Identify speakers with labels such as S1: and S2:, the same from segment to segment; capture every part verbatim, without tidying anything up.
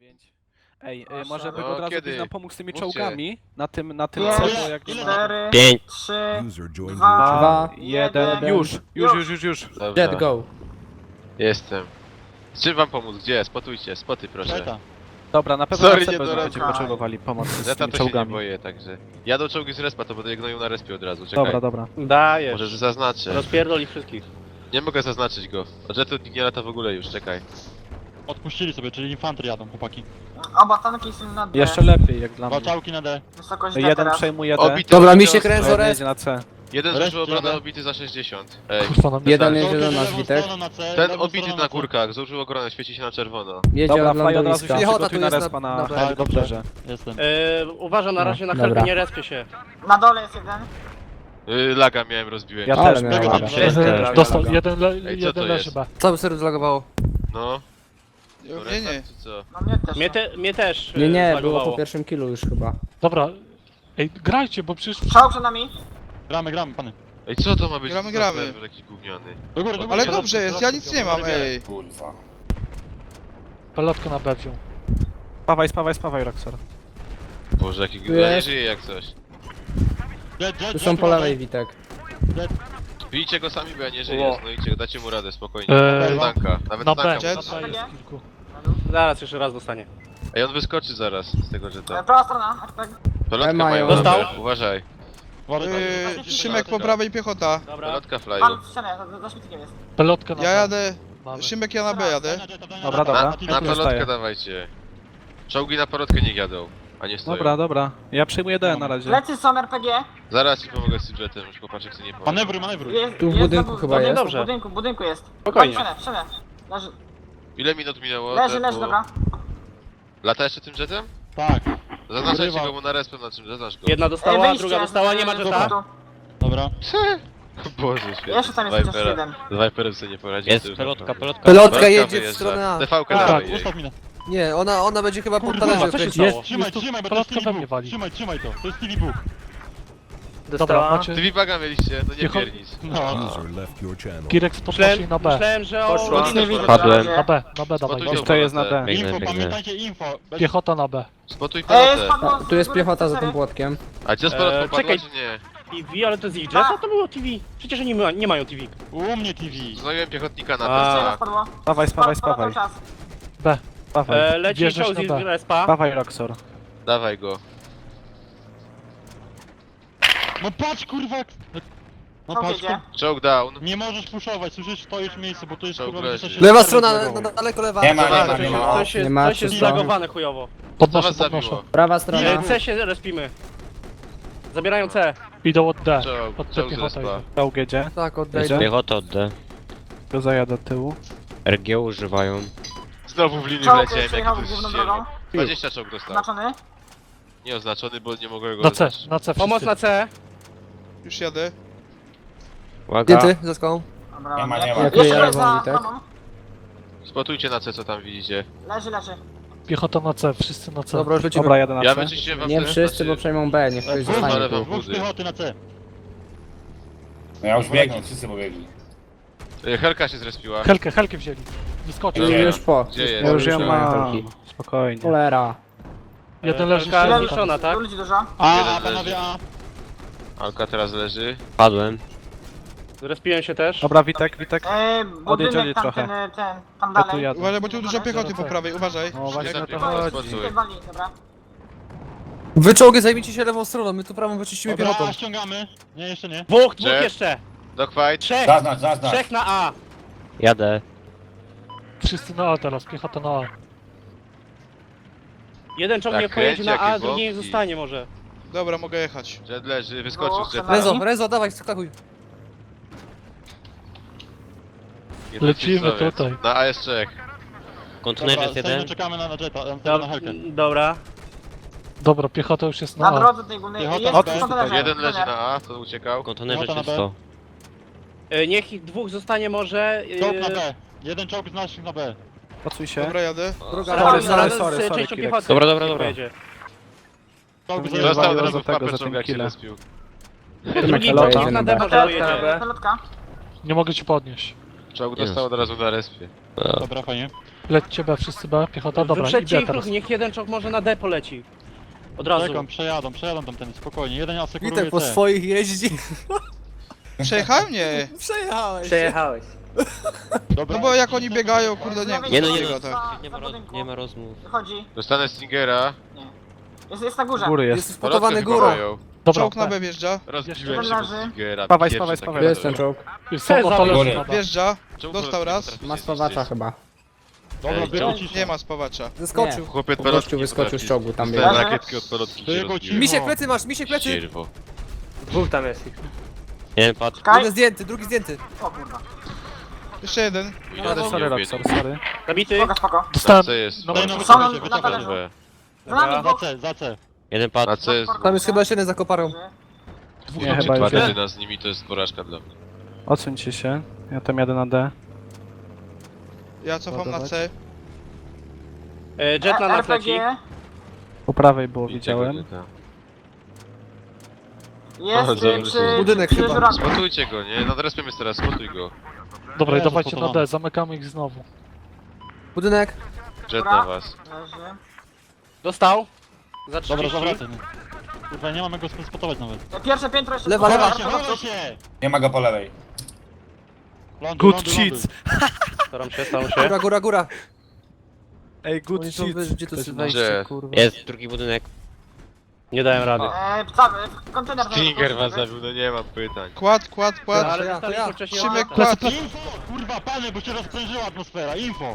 S1: dziewięć. Ej,
S2: Proszę.
S1: y, może by
S3: No,
S1: od razu
S3: kiedy?
S1: byś nam pomógł z tymi
S3: Mówcie.
S1: czołgami na tym, na tym
S2: Pięć,
S1: celu, jak nie ma...
S2: cztery,
S4: Pięć.
S2: trzy,
S5: User joined
S2: dwa,
S5: your channel.
S1: Dwa, jeden,
S2: jeden.
S1: już, już, już, już, już.
S3: Dobra.
S4: Jet go.
S3: Jestem. Z czym wam pomóc? Gdzie? Spotujcie, spoty proszę.
S6: Zeta.
S1: Dobra, na pewno
S3: Sorry,
S1: na
S3: nie
S1: C B
S3: doradzam.
S1: będziemy potrzebowali pomocy z
S3: Zeta
S1: tymi
S3: to się nie
S1: czołgami.
S3: boję, także... Jadą czołgi z respa, to będę je gnoił na respie od razu, czekaj.
S1: Dobra, dobra.
S7: Dajesz.
S3: Może zaznaczę.
S7: Rozpierdol ich wszystkich.
S3: Nie mogę zaznaczyć go. Od Jetu nikt nie lata w ogóle już, czekaj.
S6: Odpuścili sobie, czyli infantry jadą, chłopaki.
S2: Oba tanki są na D.
S1: Jeszcze lepiej, jak dla mnie.
S6: Walczałki na D.
S2: Wysokość D
S1: Jeden
S2: teraz.
S1: przejmuje D,
S3: Obity
S4: Dobra, mi
S3: obity
S4: się
S3: ostro.
S4: kręcą
S1: jeden
S4: res.
S1: jedzie na C.
S3: Jeden
S6: Resztę
S3: zużył obronę
S6: jadę.
S3: obity za sześćdziesiąt. Ej.
S6: Kurwa, nam
S4: Jeden
S6: jest
S4: jedzie do nas,
S6: lewą
S4: Witek.
S6: stroną na C,
S3: Ten
S6: lewą
S3: obity
S6: stroną
S3: na
S6: C.
S3: górkach, zużył obronę, świeci się na czerwono.
S4: Jedzie
S1: Dobra,
S4: od
S1: Fly od razu się
S4: lądowiska.
S1: przygotuj
S4: tu
S1: na
S4: jest
S1: respa na
S4: na B.
S1: helikopterze.
S6: Jestem.
S7: Yy, uważam na razie na
S4: Dobra.
S7: helkę, nie respie się.
S2: Na dole jest jeden.
S3: Yy, laga miałem, rozbiłem
S1: Ja
S3: się.
S4: Ale
S1: też
S4: miałem
S1: miałem.
S4: laga.
S7: Jest.
S8: Dostał jeden, le,
S3: Ej, co
S8: jeden
S3: to
S8: leży
S3: jest?
S8: B.
S4: Cały serwer zlagowało.
S3: No.
S9: Nie, nie.
S3: Czy co?
S2: No mnie też.
S7: Mnie, te, mnie też
S4: Nie,
S7: yy,
S4: nie, było
S7: zlagowało.
S4: po pierwszym killu już chyba.
S8: Dobra. Ej, grajcie, bo przecież...
S2: Strzał przed nami.
S6: Gramy, gramy, pany.
S3: Ej, co to ma być?
S9: Gramy,
S3: za
S9: gramy.
S3: serwer jakiś gówniany?
S6: Do góry, do góry.
S9: Ale
S6: siadam.
S9: dobrze jest, ja nic nie mam, ej.
S8: Pelotkę na B wziął.
S1: Spawaj, spawaj, spawaj, Roxor.
S3: Boże, jaki
S4: Tu
S3: gówniany, nie
S4: jest.
S3: żyje jak coś.
S6: Jet, jet,
S4: Tu są
S6: jet,
S4: po
S6: jet.
S4: lewej, Witek.
S3: Bijcie go sami, bo ja nie żyję,
S7: Ło.
S3: znajdziecie, dacie mu radę, spokojnie.
S8: Eee,
S3: Nawet tanka, nawet
S8: Na B,
S3: tanka.
S9: Jet.
S8: na B jest kilku.
S7: Zaraz jeszcze raz dostanie.
S3: Ej, on wyskoczy zaraz z tego
S2: E,
S3: jeta.
S2: Prawa strona. Artek.
S3: Pelotka
S4: mają.
S3: mają
S7: Dostał?
S3: na B, uważaj.
S6: Uważaj,
S9: Yy, Szymek po prawej piechota.
S7: Dobra.
S3: Pelotka flyu.
S2: Pan w ścianę, za- za śmietnikiem jest.
S8: Pelotka na
S9: Ja
S8: B.
S9: jadę.
S8: Mamy.
S9: Szymek, ja na B jadę.
S1: Dobra, dobra.
S3: Na,
S1: Ja
S3: na
S1: tu
S3: pelotkę
S1: zostaję.
S3: dawajcie. Czołgi na pelotkę niech jadą, a nie stoją.
S1: Dobra, dobra. Ja przyjmuję D na razie.
S2: Lecy są R P G.
S3: Zaraz ci pomogę z jetem, już chłopaczek sobie nie pomoże.
S6: Manewruj, manewruj.
S2: Jest,
S4: Tu w
S2: jest
S4: budynku
S2: za bu-
S4: chyba
S2: budynku,
S4: jest.
S2: W budynku, w budynku jest.
S7: Spokojnie.
S2: Przemę, przemę. Leży,
S3: Ile minut minęło?
S2: leży,
S3: Tepu?
S2: leży, dobra.
S3: Lata jeszcze tym jetem?
S6: Tak,
S3: Zaznaczajcie
S6: Urywa.
S3: go, bo na respę na czym zaznacz go.
S7: Jedna
S2: Ej,
S7: dostała,
S2: wyjście
S7: druga
S2: z-
S7: dostała, nie ma
S2: z
S7: jeta.
S2: punktu.
S6: dobra.
S3: Boże świetnie.
S2: Jeszcze tam jest chociaż
S3: Vipera.
S2: jeden.
S3: Z Viperem sobie nie poradzi.
S4: Jest
S3: pelotka,
S4: Pelotka
S3: Pelotka
S4: jedzie w
S3: wyjeżdża.
S4: stronę A.
S3: T V-kę
S1: Tak.
S3: dawaj
S6: Tak,
S3: jej.
S6: ustaw minę.
S4: Nie, ona, ona będzie chyba pod
S6: Kurwa,
S4: talerzem
S7: co się
S4: kręcić.
S7: stało?
S6: Trzymaj,
S8: Jest tu
S6: trzymaj, bo to jest
S8: pelotka we
S6: T V
S8: mnie wali.
S6: Trzymaj, trzymaj to. To jest T V Book.
S8: Dobra, macie...
S3: Ty Vipaga mieliście, no nie
S8: Piechot-
S3: piernicz.
S6: No.
S5: User left your channel.
S8: Girek
S7: Myślałem,
S8: poszli na B.
S7: myślałem, że o...
S3: Poszła.
S2: Nic nie widzę.
S3: Padłem.
S2: na
S8: Na
S2: razie.
S8: B, na B dawaj.
S3: Spotujcie
S8: dawaj.
S1: Kto jest na D?
S6: Info, pamiętajcie info. Bez-
S8: Piechota na B.
S3: Spotuj
S2: Ej,
S3: pelotę.
S2: spadło
S4: A, tu jest
S2: z góry
S4: piechota za
S2: cztery.
S4: tym płotkiem.
S3: A gdzie z
S7: Eee,
S3: pelotką padła,
S7: czekaj.
S3: czy nie?
S7: T V, ale to jest ich jeta? To było T V. Przecież oni ma, nie mają T V.
S6: U mnie T V.
S3: Znajomym piechotnika na
S7: A.
S2: Jeszcze
S3: pewno.
S2: spadło.
S1: Spawaj, spawaj,
S2: Spadło
S1: spawaj.
S2: cały czas.
S8: B.
S1: Spawaj.
S7: E, leci
S8: Wjeżdżasz
S7: czołg z
S8: na B.
S7: respa.
S1: Spawaj, Roxor.
S3: Dawaj go.
S6: No patrz kurwa! jak- No
S2: Czołg
S6: patrz,
S2: jedzie.
S3: Czołg down.
S6: nie możesz puszować, słyszysz, stoisz w miejscu, bo to jest
S3: Czołg
S6: kurwa...
S3: leży.
S6: będzie się-
S4: Lewa strona, na, na, daleko lewa.
S9: Nie ma,
S3: nie ma,
S7: Coś,
S3: nie
S7: jest-
S3: ma.
S7: coś jest,
S4: Nie ma,
S7: coś jest
S4: czysto.
S7: zlagowane chujowo.
S3: Co
S8: Podnoszę,
S3: was
S8: podnoszę.
S3: zabiło?
S4: Prawa strona.
S7: E, C się respimy. Zabierają C.
S8: Idą od D.
S3: Czołg,
S8: Od C
S3: czołg z
S8: piechota
S3: respa.
S8: idzie.
S1: Czołg jedzie.
S4: Tak,
S1: Jedzie?
S4: oddejdę. Piechota od D.
S1: Go zajadę do tyłu.
S4: R G używają.
S3: Znowu w linii
S2: Czołg
S3: wleciałem,
S2: przejechał
S3: jaki to
S2: główną
S3: jest
S2: drogą.
S3: ścierwo. dwadzieścia czołg dostał.
S2: Znaczony.
S3: Nieoznaczony, bo nie mogę go
S8: Na C,
S3: zaznaczyć.
S8: na C
S7: Pomoc
S8: wszyscy.
S7: na C.
S9: Już jadę.
S4: Zdjęty, za skałą.
S2: Dobra,
S9: Nie ma,
S2: dobra.
S9: nie ma.
S4: Jak
S2: Jeszcze
S4: ja
S2: jest za
S4: lewą, Witek.
S2: bramą.
S3: Spotujcie na C, co tam widzicie.
S2: Leży, leży.
S8: Piechota na C, wszyscy na C.
S4: Dobra, już lecimy.
S1: Dobra, jadę na
S3: Ja
S1: C.
S3: wyczyściłem wam
S4: Nie
S3: te-
S4: wszyscy,
S3: znaczy-
S4: bo przejmą B, niech ktoś
S6: Dwóch
S4: zostanie
S3: lewą
S4: tu.
S6: Dwóch
S3: budy.
S6: piechoty na C.
S9: No ja już biegnę, wszyscy pobiegli.
S3: Y, Helka się zrespiła.
S8: Helkę, Helkę wzięli. Nie skoczy.
S3: Dobra.
S4: Już po.
S3: Gdzie jest?
S1: Ja już ją
S4: Już
S1: mam.
S4: helki.
S1: Spokojnie.
S4: Cholera.
S8: Jeden leży
S7: Helka
S8: jeszcze.
S7: zniszczona, tak?
S2: Ludzi dużo.
S6: A,
S3: Jeden
S6: a panowie, a.
S3: Alka teraz leży.
S4: Padłem.
S7: Respiłem się też.
S1: Dobra, Witek, Witek.
S2: Eee,
S1: Odjedź,
S2: budynek
S1: odjedź
S2: tam,
S1: trochę.
S2: ten, e, ten, tam
S1: Ja tu
S2: dalej.
S1: jadę.
S9: Uważaj, bo tu dużo piechoty po prawej, uważaj.
S1: No właśnie
S3: Nie
S1: o to
S3: zabiegaj,
S1: chodzi.
S3: spotuj.
S2: Tutaj wali, dobra.
S4: Wy czołgi zajmijcie się lewą stroną, my tu prawą wyczyścimy piechotą.
S6: Dobra, ściągamy. Nie, jeszcze nie.
S7: Dwóch, dwóch
S3: Że?
S7: jeszcze.
S3: Dogfight.
S7: Trzech.
S9: Zaznacz, zaznacz.
S7: Trzech na A.
S4: Jadę.
S8: Wszyscy na A teraz, piechota na A.
S7: Jeden czołg
S3: Tak,
S7: nie pojedzie
S3: kręci,
S7: na A,
S3: jakie
S7: drugi niech
S3: wątki.
S7: zostanie może.
S9: Dobra, mogę jechać.
S3: Jet leży, wyskoczył z
S2: No,
S3: jeta.
S4: Rezo, Rezo, dawaj, skakuj.
S3: Jeden
S8: Lecimy
S3: księżycowiec.
S8: tutaj.
S3: Na A jest Czech.
S6: Dobra, stoimy, czekamy na, na jeta, na,
S7: Dob-
S6: na helkę.
S7: Dobra.
S8: Dobra, piechota już jest
S2: Na
S8: na A.
S2: drodze tej głównej.
S6: Piechota
S2: Jest
S6: na
S2: w
S6: B.
S2: kontenerze.
S3: Jeden leży
S2: kontener.
S3: na A, to uciekał.
S6: Piechota na B.
S7: E, Niech ich dwóch zostanie może. e,
S6: Czołg na B. Jeden czołg z naszych na B.
S1: Pocuj się.
S9: Dobra, jadę.
S4: Druga
S1: Sorry,
S4: lewa.
S1: sorry,
S7: z
S1: sorry, sorry,
S7: częścią
S1: Kirek.
S7: piechoty.
S4: Dobra, dobra, dobra.
S7: pojedzie.
S6: Czołg
S1: Nie
S6: z
S3: Został
S1: waliło
S3: od
S1: za
S3: razu w
S1: tego,
S3: papę
S1: za
S3: czołg,
S1: tym
S3: jak się
S1: killem.
S3: zrespił.
S7: Drugi
S1: Pelota.
S7: czołg na D może
S2: Pelotka,
S7: pojedzie.
S2: pelotka.
S8: Nie mogę ci podnieść.
S3: Czołg dostał od razu na respie.
S6: Dobra, fajnie.
S8: Lećcie B, wszyscy B, piechota, dobra, i
S7: Wyprzedźcie
S8: B
S7: ich
S8: teraz.
S7: ruch, niech jeden czołg może na D poleci. Od razu.
S6: Czekam, przejadą, przejadą tam ten, spokojnie. Jeden asekuruje
S4: Witek po
S6: C.
S4: swoich jeździ.
S5: Przejechałem? Nie.
S4: Przejechałeś.
S10: Przejechałeś.
S6: Dobra.
S5: No bo jak oni biegają, kurde, nie
S2: Nie,
S5: wiem,
S2: no,
S5: co
S2: nie,
S5: biega,
S2: no.
S5: tak.
S10: Nie ma, roz, nie ma rozmów.
S2: Wychodzi.
S3: Dostanę Stingera.
S2: Jest, jest na górze.
S1: Góry
S4: Jest
S1: jest.
S4: spotowany
S3: Polotkę
S4: górą.
S3: wywołają.
S8: Dobra,
S5: Czołg na
S8: B.
S5: B wjeżdża.
S3: Rozbiłem się
S2: Jeden
S3: pod
S2: leży.
S3: Stingera.
S1: Spawaj,
S3: pierwszy
S1: spawaj,
S3: taki
S1: spawaj.
S3: level.
S10: Jest ten czołg.
S8: Są
S7: Cezar
S8: otworzone
S7: już.
S8: na B.
S5: Wjeżdża.
S3: Czemu
S5: Dostał
S3: polotki
S5: raz.
S3: potrafisz
S10: Ma
S3: jeździć?
S10: spawacza chyba.
S6: Dobra,
S3: Ej,
S6: wychodzi.
S5: Nie ma spawacza.
S4: Zeskoczył.
S3: Chłopie,
S10: Po
S3: pelotki
S10: gościu
S3: nie
S10: wyskoczył
S3: potrafisz.
S10: z czołgu, tam
S3: Dostałem
S2: biegł.
S3: rakietki od pelotki się
S6: Tylko
S3: rozbiły.
S4: Misiek plecy masz, misiek plecy.
S3: Ścierwo.
S10: Dwóch tam jest ich. Jeden padł.
S2: Kaj.
S4: Jeden zdjęty, drugi zdjęty.
S2: O kurwa.
S5: Jeszcze jeden.
S1: Sorry, sorry, Roxor, sorry.
S7: Zabity.
S2: Spoko, spoko.
S8: Dostałem,
S3: C jest.
S8: no,
S6: Daj no,
S2: Są
S6: wycofajcie,
S2: na
S6: wycofajcie.
S2: talerzu.
S3: B.
S2: Za nami
S6: Za
S2: dwóch.
S6: C, za C.
S10: Jeden padł.
S3: A C jest.
S4: Tam jest chyba jeszcze jeden za koparą.
S1: Nie,
S3: Czy
S1: chyba
S3: dwa
S1: już jest.
S3: jedyna z nimi to jest porażka dla mnie.
S1: Odsuńcie się. Ja tam jadę na D.
S5: Ja cofam na
S1: Ładować.
S5: C.
S7: E, Jet na nas
S2: R P
S7: leci.
S2: G.
S1: Po prawej było,
S3: I tego
S1: widziałem.
S3: nie da.
S2: Jest
S3: O,
S2: y,
S3: dobrze.
S2: przy,
S4: Budynek
S2: przy
S4: chyba.
S2: żurawcu.
S3: Spotujcie go, nie? Nad respem jest teraz, spotuj go.
S8: Dobra, i
S6: Jezu,
S8: dawajcie na
S6: spotowany.
S8: D, zamykamy ich znowu.
S4: Budynek.
S3: Jet
S2: Dobra.
S3: na was.
S2: Leży.
S7: Dostał. Za
S6: Dobra,
S7: trzydzieści.
S6: zawracaj. Kurwa, nie mamy go spotować nawet.
S2: Pierwsze piętro jeszcze.
S4: Lewa, lewa.
S6: Chowaj się, chowaj się!
S9: Nie ma go po lewej.
S6: Ląduj,
S1: Good
S6: ląduj,
S1: cheats.
S6: ląduj.
S7: Staram się, staram się.
S4: Góra, góra, góra.
S1: Ej, good
S4: Oni są
S1: shit.
S4: wy- gdzie to jest
S3: Gdzie?
S4: wejście, kurwa.
S10: Jest drugi budynek.
S7: Nie dałem rady.
S2: E, cały, kontener.
S3: Stinger was zabił, no nie mam pytań.
S5: Kład, kład,
S4: Ja.
S5: kład.
S7: Ale
S4: to
S7: dostaliśmy
S4: ja.
S7: wcześniej
S5: Szymek,
S7: łapę.
S5: kład.
S6: Info! Kurwa, panie, bo się rozprężyła atmosfera. Info!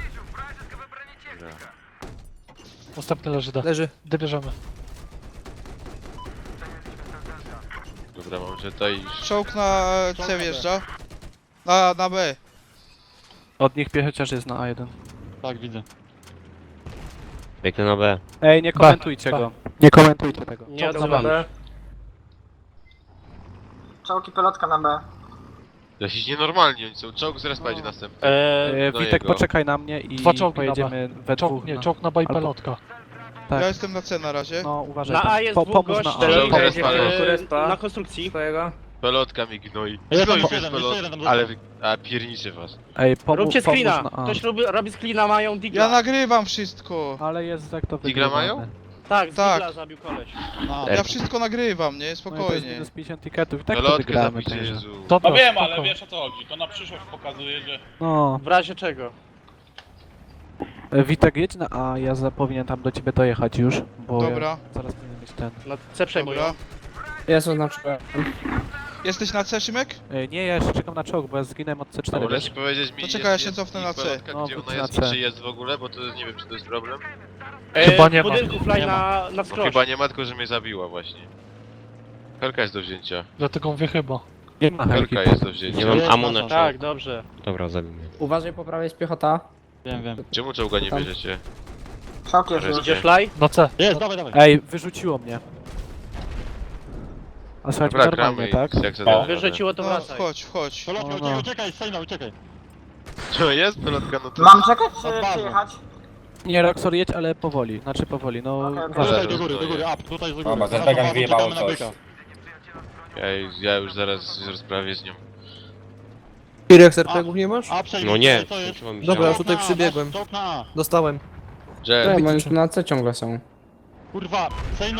S8: Następny leży D.
S4: Leży.
S8: D bierzemy.
S3: Dobra, mam Jetta i...
S5: Czołg na C wjeżdża. Na, na B.
S1: Od nich pie chociaż jest na A jeden.
S6: Tak, widzę.
S10: Biegnę na B.
S1: Ej, nie komentujcie
S8: B.
S1: go. Nie komentujcie tego.
S7: Nie odzywamy.
S2: Czołki pelotka na B.
S3: Jakiś nienormalni oni są. Czołg z respa idzie następny.
S7: E,
S1: E,
S3: do
S1: Witek,
S3: jego.
S1: poczekaj na mnie i
S8: Dwa czołgi na
S1: pojedziemy we
S8: Czołg,
S1: dwóch.
S8: nie,
S1: na-
S8: czołg na B i
S1: Albo-
S8: pelotka.
S1: Tak.
S5: Ja jestem na C na razie.
S1: No, uważaj
S7: na
S1: tam.
S7: A jest
S1: Po,
S7: dwóch
S1: pomóż na
S7: gości.
S1: A.
S3: Czołg
S7: e,
S3: respa.
S7: e, Na konstrukcji.
S10: Twojego?
S3: Pelotka mi gnoi.
S6: Ja
S3: Gnoi
S6: tam
S3: mnie z
S6: jeden,
S3: pelot...
S6: jeszcze jeden tam
S3: Ale
S6: został.
S3: wy... A, pierniczy was.
S1: Ej, pomóż,
S7: Róbcie
S1: pomóż
S7: screena.
S1: na A.
S7: Ktoś robi, robi screena, mają digla.
S5: Ja nagrywam wszystko.
S1: Ale jest jak to
S3: Digla mają?
S1: wygrywane.
S7: Tak, z
S5: Tak.
S7: digla zabił koleś.
S6: A,
S5: Ja wszystko nagrywam, nie?
S1: No i to jest
S5: Spokojnie.
S1: minus pięćdziesiąt tiketów i tak to
S3: Pelotkę
S1: wygramy
S3: zabijcie,
S1: także.
S3: Jezu.
S8: Dobra,
S11: No wiem, ale
S8: spoko.
S11: wiesz o co chodzi. To na przyszłość pokazuje, że
S1: No,
S7: W razie czego?
S1: e, Witek jedź na A, ja za, powinien tam do ciebie dojechać już, bo
S5: Dobra.
S1: ja zaraz powinien mieć ten.
S7: Na C przejmują.
S5: Dobra.
S10: Jest oznaczone.
S5: Jesteś na C, Szymek?
S1: E, nie, ja jeszcze czekam na czołg, bo ja zginąłem od C
S3: A
S1: cztery,
S3: możesz
S1: wiesz?
S3: mi powiedzieć mi,
S5: To czekaj, ja
S3: jest-
S5: się
S3: jest
S5: cofnę
S3: ich
S5: na C.
S3: pelotka,
S1: No,
S3: gdzie
S1: wróć
S3: ona
S1: na
S3: jest
S1: C.
S3: i czy jest w ogóle, bo to nie wiem, czy to jest problem.
S7: E,
S8: Chyba nie
S7: w
S8: ma.
S7: budynku fly
S6: Nie
S7: na, na
S3: No
S7: wskroś.
S3: chyba nie ma, tylko że mnie zabiła właśnie. Helka jest do wzięcia.
S8: Dlatego mówię chyba.
S1: Nie ma helki.
S3: Helka jest do wzięcia.
S10: Nie mam
S6: Jest
S10: amu
S6: na
S10: na
S6: to.
S7: Tak, dobrze.
S10: Dobra, zabił mnie. Uważaj, po prawej jest piechota.
S6: wiem, wiem.
S3: Czemu czołga nie
S10: Tam.
S3: bierzecie?
S2: Czołg jest
S3: Jest.
S2: już.
S7: Idzie fly?
S8: Na C.
S6: Jest, dawaj, dawaj.
S1: Ej, wyrzuciło mnie. A słuchajcie,
S3: Dobra,
S1: normalnie,
S3: gramy
S1: tak?
S3: i jak zadamy.
S7: Wyrzuciło to
S5: No,
S7: wracaj.
S5: wchodź, wchodź.
S6: Pelotka,
S1: No,
S6: uciekaj,
S1: no.
S6: uciekaj, Sejna, uciekaj.
S3: Co jest? Pelotka, no to...
S2: Mam czekać
S6: Nad
S2: czy
S6: bazą.
S2: przyjechać?
S1: Nie, Roxor jedź, ale powoli, znaczy powoli, no
S2: Okej, okej.
S1: uważaj.
S6: Tutaj do góry, do góry, up, tutaj do góry.
S9: Dobra,
S6: Zaraz
S9: Zerbegan
S6: na bazę,
S9: wyjebało
S6: czekamy na
S9: coś.
S6: byka.
S3: Ja, ja już zaraz się rozprawię z nią.
S4: T-Rex er pe gu nie masz?
S6: A, przejdź,
S10: No nie,
S6: co jest?
S10: skończyło mi się.
S4: Dobra,
S6: Czołg
S4: tutaj
S6: na A,
S4: przybiegłem.
S6: Czołg na A.
S4: Dostałem.
S3: Jet,
S10: bo oni na C ciągle są.
S6: Kurwa, Sejno,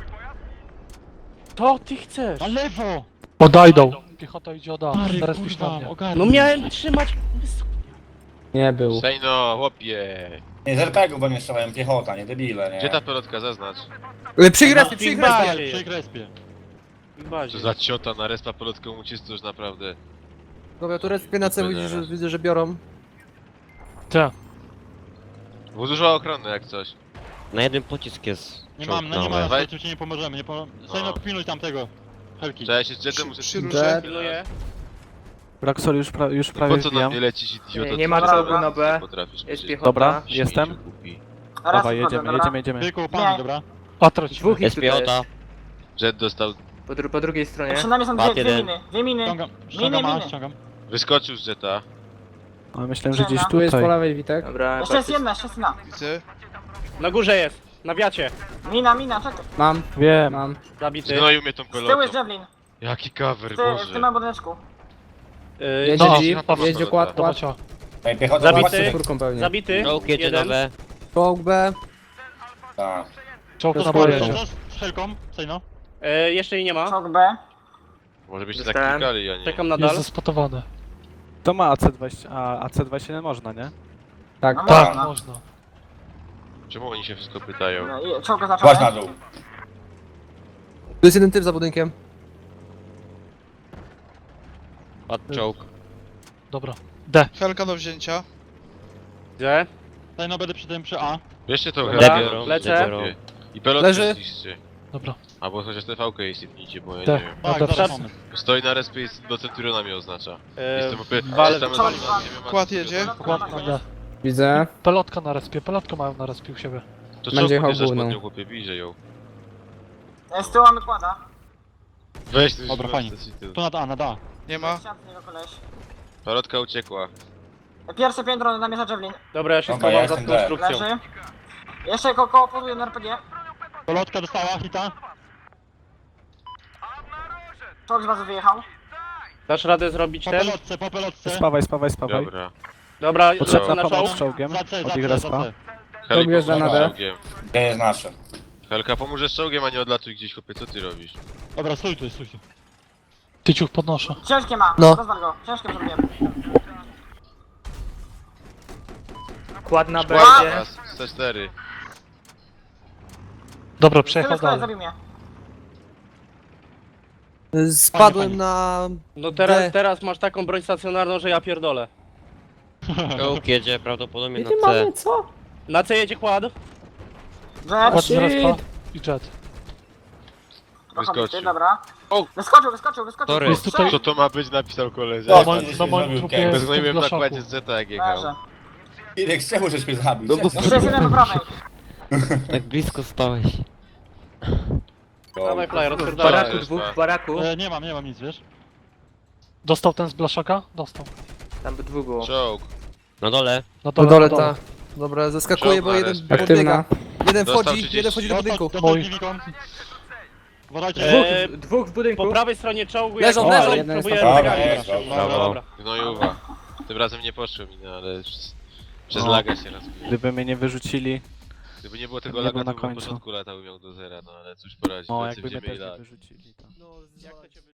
S7: To ty chcesz.
S6: na lewo!
S8: Odajdą. Piechota idzie od A.
S6: Stary,
S8: Teraz pisz na
S6: kurwa,
S8: mnie.
S6: ogarnij.
S7: No miałem trzymać wysoko.
S10: Nie był.
S3: Sejno, chłopie!
S9: Nie, z er pe gu do mnie strzelają, piechota, nie debile, nie?
S3: Gdzie ta pelotka, zaznacz?
S4: E, Przy respie,
S7: Na
S4: przy
S7: Big
S4: respie.
S7: Bazie.
S6: Przy krespie.
S7: W bazie.
S3: Co za ciota na respa pelotką ucisnął już naprawdę.
S4: Dobra, tu respie na C, widzę, że, widzę, że biorą.
S8: C.
S3: Było dużo ochrony jak coś.
S10: Na jeden pocisk jest.
S6: Nie
S10: czołg
S6: mam, no
S10: na
S6: nie
S10: B.
S6: ma,
S3: Weź.
S6: na ci nie pomożemy, nie pomożemy. Sejno,
S3: No.
S6: pilnuj tamtego. Helki.
S3: Trzeba się z Jetem
S5: Przy,
S3: muszę...
S5: przy
S10: Jet.
S5: róże.
S7: Pilnuję.
S1: Roxor już, pra, już
S3: No
S1: prawie
S3: po co na
S1: wbijam.
S3: mnie lecisz, idioto?
S10: Nie, nie ma
S3: Co
S2: czołgu
S3: ty
S10: na B.
S3: potrafisz
S10: Jest
S3: powiedzieć?
S10: piechota.
S1: Dobra,
S3: Śmieciu
S1: jestem.
S3: głupi.
S2: Raz
S1: Dawaj,
S2: wchodzę,
S1: jedziemy,
S2: dobra?
S1: jedziemy, jedziemy.
S6: Tylko pani,
S2: Nie.
S6: dobra?
S8: A trać.
S10: Dwóch jest piechota.
S3: Jet dostał...
S10: Po, dru po drugiej stronie.
S2: Przed nami są dwie,
S10: Pat
S2: dwie
S10: jeden.
S2: miny. Dwie miny.
S6: Ściągam, ściągam,
S2: Miny,
S6: A,
S2: miny.
S6: ściągam.
S3: Wyskoczył z Jeta.
S1: A myślałem, że gdzieś
S10: Tu jest po
S1: tutaj.
S10: lewej Witek. Dobra,
S2: Jeszcze jest jedna, jeszcze jest jedna.
S5: Widzę.
S7: Na górze jest. Na wiacie.
S2: Mina, mina, czekaj.
S10: Mam,
S1: Wiem.
S10: mam.
S7: Zabity.
S3: Zgnoił mnie tą
S2: Z tyłu jest
S3: pelotą.
S2: Javelin.
S3: Jaki cover,
S2: W, ty, w
S3: Boże.
S2: tym małym budyneczku.
S7: Yy,
S10: Jedzie
S8: No,
S10: jeep,
S3: no,
S10: jedzie
S3: no,
S10: kład, kład.
S8: Dawać A.
S9: Ej, piechota,
S7: Zabity.
S9: zobaczcie,
S4: Czwórką pewnie.
S7: Zabity.
S10: Czołg jedzie na
S7: Jeden.
S10: B.
S4: Czołg B.
S9: tak.
S8: Czołg na
S4: Sporo.
S8: B
S6: Co
S8: jedzie.
S6: z helką? Cejno?
S7: E, jeszcze jej nie ma.
S2: Czołg B.
S3: Może byście
S10: Dostałem.
S3: tak klikali, a nie.
S7: Czekam
S8: Jest
S7: nadal.
S8: zespotowany.
S1: To ma A C dwadzieścia, a A C dwadzieścia jeden można, nie?
S4: Tak.
S2: No
S8: Tak,
S2: można.
S8: można.
S3: Czemu oni się wszystko pytają?
S2: No i czołg
S9: Płać na
S2: oznaczony.
S9: dół.
S4: Tu jest jeden typ za budynkiem.
S10: Padł czołg.
S8: Dobra. D.
S5: Helka do wzięcia.
S7: Gdzie?
S6: Cejno będę przy tym przy A.
S3: Bierzcie tą
S7: Dobra,
S3: helkę.
S10: biorą,
S7: lecę.
S3: biorą. I pelotkę
S4: Leży.
S3: zniszczcie.
S8: Dobra.
S3: Albo chociaż T V K jej sypnijcie, bo ja
S8: Tak.
S3: nie wiem.
S6: Tak,
S8: Dobra,
S6: zaraz
S8: przed-
S6: moment.
S3: Stoi na respie i do Centuriona mnie oznacza.
S7: E,
S3: Jestem opy...
S7: wale-
S3: Jestem
S2: Czołg
S3: nie
S2: dwa.
S3: wiem,
S5: Kład
S3: co-
S5: jedzie.
S1: Dokładnie.
S8: Kładka D.
S4: Widzę.
S8: Pelotka na respie, pelotkę mają na respie u siebie.
S3: To
S4: Będzie
S3: co
S4: jechał
S3: podjeżdżasz
S4: główną.
S3: pod nią, chłopie, bliżej ją.
S2: E, Z tyłu mamy kłada.
S3: Weź ty
S6: Dobra, fajnie. Tu nad A, nad A.
S5: Nie ma.
S2: Ścian z niego koleś.
S3: Pelotka uciekła.
S2: E, Pierwsze piętro namierza Javelin.
S7: Dobra, ja się
S9: Dobra, ja
S7: schowam za
S9: jestem D.
S7: konstrukcją.
S2: Leży. Jeszcze ko koło poduje na R P G.
S6: Polotka dostała hita.
S2: Czołg z bazy wyjechał.
S7: Dasz radę zrobić
S6: Po
S7: ten?
S6: pelotce, po pelotce.
S1: Spawaj, spawaj, spawaj.
S3: Dobra.
S7: Dobra,
S1: Potrzebna
S7: na czołg.
S1: pomoc z czołgiem
S6: Za C, za
S1: od ich
S6: C, za
S1: respa.
S6: C.
S3: Heli,
S4: wjeżdża
S3: pomóż
S4: na D.
S3: czołgiem.
S9: Gdzie jest nasze?
S3: Helka, pomóżesz czołgiem, a nie odlatuj gdzieś, chłopie, co ty robisz?
S6: Dobra, stój tu, stój tu.
S8: Tyciuch podnoszę.
S2: Ciężkie ma.
S4: No.
S2: Rozwal go. Ciężkie zrobiłem.
S10: Kład na B
S3: Szkła
S10: idzie.
S3: teraz, C cztery.
S8: Dobra,
S2: Tyle
S8: przejechał
S2: skoro
S8: dalej.
S2: zabił mnie.
S4: Spadłem
S6: Fajnie,
S4: na...
S7: No teraz,
S4: D.
S7: teraz masz taką broń stacjonarną, że ja pierdolę.
S10: Czołg jedzie prawdopodobnie na
S4: Nie
S10: C.
S4: mamy co?
S7: Na C jedzie kład.
S2: Jet.
S8: Kład z respa i jet.
S2: Trochę bity,
S3: Wyskoczył.
S2: dobra.
S3: O!
S2: Wyskoczył, wyskoczył, wyskoczył.
S10: Sorry.
S8: Jest tutaj-
S3: Co to ma być, napisał koledze.
S9: No,
S8: Na
S9: to
S8: moim,
S9: gdzieś
S8: na moim
S9: zrobił
S8: trupie
S9: kęs.
S8: jest
S3: Bezgnojłem
S8: typ
S3: na
S8: blaszaku.
S3: kładzie z Zeta jak jechał.
S2: Leży.
S9: Irek, czemu żeś mnie zabił?
S10: No bo-
S9: Czemu?
S2: Jeszcze jest jeden po prawej.
S10: Tak blisko stałeś.
S7: Dawaj flyer,
S10: W
S7: odpierdalaj.
S10: baraku dwóch, w baraku.
S6: E, nie mam, nie mam nic, wiesz?
S8: Dostał ten z blaszaka? Dostał.
S10: Tam by dwóch było.
S3: Czołg.
S10: Na dole.
S8: Na
S4: Na
S8: dole,
S4: dole
S8: na dole.
S4: ta. Dobra, zaskakuje,
S3: Czołg
S4: bo
S3: na
S4: jeden
S3: respie.
S4: podbiega. Jeden
S3: Dostał
S4: wchodzi,
S3: trzydzieści.
S4: jeden wchodzi do budynku.
S6: Dostał
S8: Mój.
S6: Kliwiką. Uważajcie.
S7: Eee,
S10: Dwóch, dwóch w budynku.
S7: Po prawej stronie czołgu
S4: Leżą,
S7: jak-
S4: leżą.
S7: o,
S4: Jeden jest
S7: próbuję
S9: tam.
S7: wyganiać.
S9: Dobra, jest,
S7: No,
S3: brawo.
S7: dobra.
S3: Gnojuwa. Tym razem nie poszło mi, no ale przez, przez
S1: No.
S3: laga się rozbiło.
S1: Gdyby mnie nie wyrzucili,
S3: Gdyby nie było tego
S1: nie
S3: laga,
S1: był na
S3: to bym na
S1: końcu.
S3: początku latał miał do zera, no ale cóż poradzić,
S1: o,
S3: w nocy
S1: jakby mnie
S3: wzięli
S1: też nie
S3: lag.
S1: wyrzucili. To.
S4: No,
S7: Jak to cię